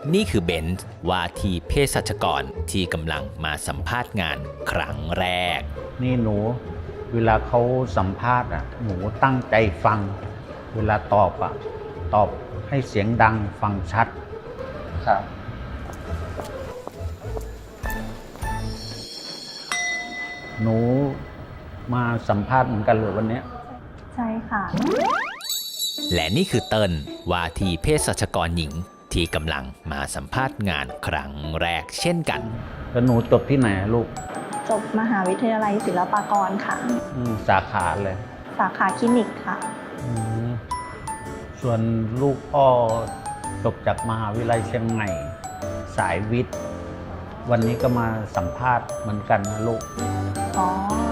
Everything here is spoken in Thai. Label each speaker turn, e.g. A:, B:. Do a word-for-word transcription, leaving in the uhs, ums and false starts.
A: นี่คือเบนซ์ว่าที่เภสัชกรที่กำลังมาสัมภาษณ์งานครั้งแรก
B: นี่หนูเวลาเขาสัมภาษณ์อ่ะหนูตั้งใจฟังเวลาตอบอ่ะตอบให้เสียงดังฟังชัดครับหนูมาสัมภาษณ์เหมือนกันเลยวันนี้
C: ใช่ค่ะ
A: และนี่คือเติ้ลว่าที่เภสัชกรหญิงที่กำลังมาสัมภาษณ์งานครั้งแรกเช่นกัน
B: แล้วหนูจบที่ไหนลูก
C: จบมหาวิทยาลัยศิลปากรค่ะ
B: สาขาเลย
C: สาขาคลินิกค่ะ
B: ส่วนลูกพ่อจบจากมหาวิทยาลัยเชียงใหม่สายวิทย์วันนี้ก็มาสัมภาษณ์เหมือนกันนะลูก
C: อ๋อ